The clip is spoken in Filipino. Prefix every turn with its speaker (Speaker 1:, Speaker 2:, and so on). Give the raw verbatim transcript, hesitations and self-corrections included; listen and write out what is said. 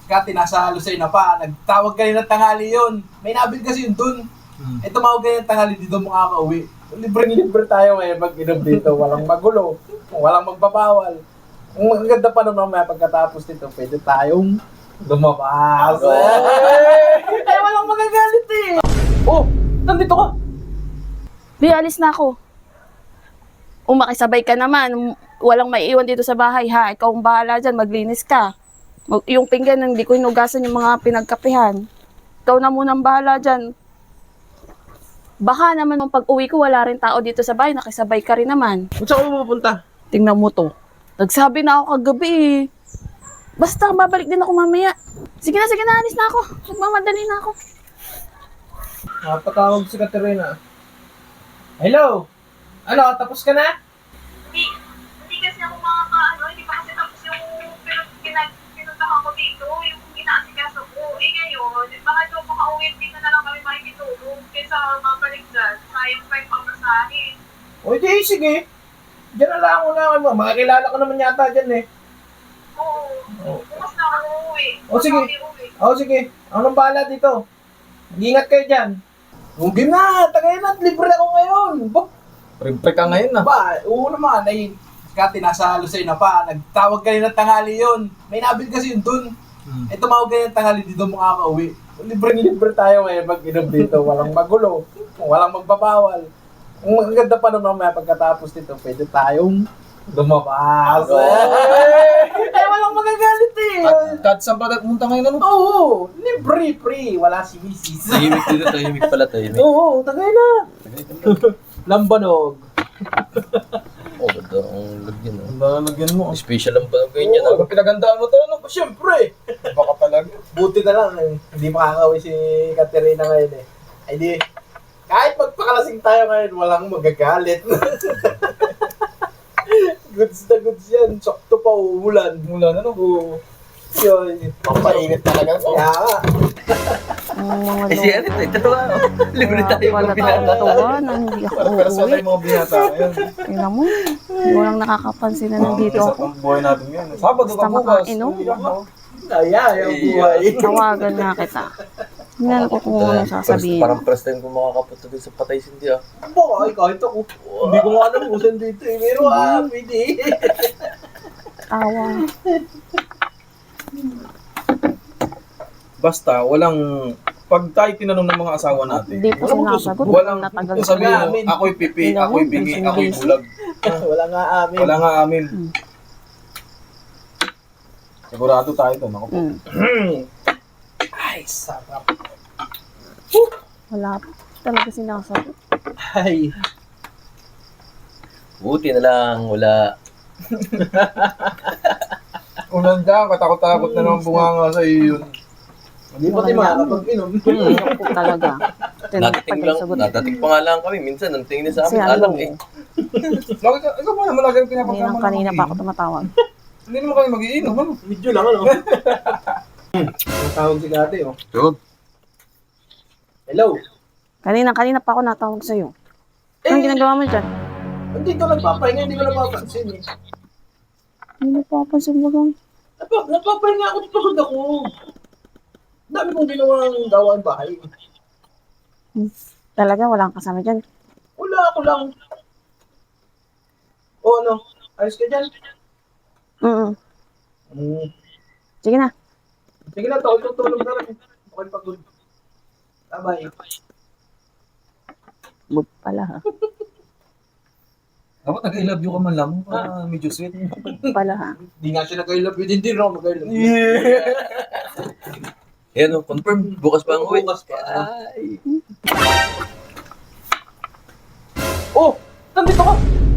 Speaker 1: Kati, nasa Lucena pa. Nagtawag kanina tanghali yun. May nabil kasi yun dun. Hmm. Eh, tumawag kanina tanghali dito makaka-uwi. Libre-libre tayo ngayon mag-inom dito. Walang magulo. Walang magpapawal. Ang ganda pa naman mamaya pagkatapos nito, pwede tayong lumabas. Eh, walang magagalit eh. Oh, nandito ka.
Speaker 2: Di, alis na ako. Umakisabay ka naman. Walang maiiwan dito sa bahay, ha? Ikaw ang bahala dyan, maglinis ka. Mag- yung pinggan, hindi ko hinugasan yung mga pinagkapihan. Ikaw na munang bahala dyan. Baka naman nung pag-uwi ko, wala rin tao dito sa bahay, nakisabay ka rin naman.
Speaker 1: Saan ka pupunta?
Speaker 2: Tingnan mo to. Nagsabi na ako kagabi eh. Basta, babalik din ako mamaya. Sige na, sige na, alis na ako. Nagmamadali na ako.
Speaker 1: Napatawag si Katerina. Hello? Ano, tapos ka na?
Speaker 3: Hindi, hindi kasi ako makakaano, hindi pa kasi tapos yung pinag- pinag- pinuntahan ko dito, yung inaasikaso ko. Eh ngayon, baka doon makauwi, dito na lang kami makikitulog. Kaysa mabalik dyan, sayang pa yung pagkasahin.
Speaker 1: O di, sige. Diyan na lang ako na. Makakilala ko naman yata dyan eh.
Speaker 3: Oo,
Speaker 1: Oo.
Speaker 3: bukas na ako uuwi.
Speaker 1: O, sige.
Speaker 3: Bukas na uuwi.
Speaker 1: O sige, ako nang bahala dito. Mag-ingat kayo dyan. Huwag na, tagay na, libre ako ngayon. Ba?
Speaker 4: Libre ka ngayon na.
Speaker 1: Ba, oo naman, ay, Kati, nasa Lucena pa. Nagtawag kanina tanghali yun. May nabil kasi yun dun. Hmm. Eh, tumawag kanina tanghali dito makaka-uwi. Libre-libre tayo ngayon mag-inom dito. Walang magulo. Walang magpapawal. Ang ganda pa naman mamaya pagkatapos nito, pwede tayong lumabas. Eh, walang magagalit eh.
Speaker 4: At kahit saan pa pumunta ngayon ano?
Speaker 1: Oo, libre, free. Wala si misis.
Speaker 4: Tahimik dito, tahimik pala, tahimik.
Speaker 1: Oo, tagay na. Lambanog.
Speaker 4: Oh, ganda ang lagyan. Oh.
Speaker 1: Ang lalagyan mo.
Speaker 4: Special ang banog ganyan.
Speaker 1: Oo.
Speaker 4: Ano pinagandaan mo to? Ano?
Speaker 1: Siyempre.
Speaker 4: Baka talaga.
Speaker 1: Buti na lang, eh. Hindi makakawin si Katerina ngayon eh. Ay di, kahit magpakalasing tayo ngayon, walang magagalit. Goods na goods yan. Sakto pa umulan.
Speaker 4: Mula na no?
Speaker 1: Oo. Yun.
Speaker 4: Pampainit talaga.
Speaker 1: Kaya nga.
Speaker 2: Ang mga
Speaker 4: Eh siya, ito, ito to ano? Libre tayo
Speaker 2: wala
Speaker 4: mga
Speaker 2: tayong
Speaker 4: binata.
Speaker 2: natuwa na hindi ako
Speaker 4: Parang pero sa
Speaker 2: uuwi.
Speaker 4: tayo mga binata ngayon.
Speaker 2: Tingnan mo, walang nakakapansin na nandito
Speaker 4: Isa
Speaker 2: ako.
Speaker 4: pang buhay natin ngayon. Sabado
Speaker 2: Basta
Speaker 4: ka bukas.
Speaker 2: makainom.
Speaker 1: Kaya, yung buhay.
Speaker 2: Tawagan nga kita. Tingnan ko kung ano sasabihin.
Speaker 4: Parang first time ko makakapunta din sa Patay Sindi ah.
Speaker 1: Boy, kahit ako. Hindi ko nga alam kung saan dito eh. Pero ah, pwede.
Speaker 2: Tawa.
Speaker 4: Basta, walang... Pag tayo tinanong ng mga asawa natin,
Speaker 2: Hindi po
Speaker 4: walang
Speaker 2: sinasagot.
Speaker 4: walang
Speaker 2: Natagal
Speaker 4: sabihin mo,
Speaker 1: namin.
Speaker 4: ako'y pipi,
Speaker 2: Tingnan mo,
Speaker 4: ako'y bingi,
Speaker 2: busy
Speaker 4: ako'y
Speaker 2: busy.
Speaker 4: bulag.
Speaker 1: Wala nga amin.
Speaker 4: Wala nga amin.
Speaker 2: Hmm.
Speaker 4: Sigurado tayo doon. Ako po.
Speaker 2: Mm.
Speaker 1: Ay, sarap.
Speaker 2: Wala po talaga sinasagot.
Speaker 1: Ay.
Speaker 4: Buti na lang, wala. Ulan dyan, katakot-takot na naman bunganga sa iyo yun.
Speaker 1: Hindi pa tayo makakapag-inom.
Speaker 2: Wala po talaga.
Speaker 4: Nadating lang,
Speaker 2: Sagot.
Speaker 4: nadating pa nga lang kami. Minsan, ang tingin sa
Speaker 2: Kasi
Speaker 4: amin,
Speaker 2: ano,
Speaker 4: alam eh. Lagi ka, ikaw mo naman lagi ang
Speaker 2: Kanina,
Speaker 4: pinapagkama.
Speaker 2: kanina pa ako tumatawag.
Speaker 4: Hindi naman kami mag-iinom, ano?
Speaker 1: Medyo lang ano. Ang tawag si Kate oh.
Speaker 4: Yun.
Speaker 1: Hello.
Speaker 2: Kanina, kanina pa ako natawag sa'yo.
Speaker 1: Eh,
Speaker 2: Anong ginagawa mo dyan?
Speaker 1: hindi ko nagpapahinga, hindi ko napapansin eh.
Speaker 2: Hindi pa ako sa bagang.
Speaker 1: Napa, napapahinga ako, pagod ako. Dami kong ginawang gawain bahay.
Speaker 2: Talaga, wala kang kasama dyan.
Speaker 1: Wala ako lang. O ano, ayos ka dyan?
Speaker 2: Mm
Speaker 1: Hmm.
Speaker 2: Sige na.
Speaker 1: Sige na, tawag tutulog na rin. Okay, pagod. Bye-bye.
Speaker 2: Bug pala ha.
Speaker 4: Dapat nag-I love you ka man lang. Ah, medyo sweet.
Speaker 2: Bug pala ha.
Speaker 1: Hindi nga siya nag-I love you, hindi rin ako mag-I love you.
Speaker 4: Yan o, confirm. Bukas pa ang uwi.
Speaker 1: Bukas pa.
Speaker 4: Ay.
Speaker 1: Oh, nandito ka.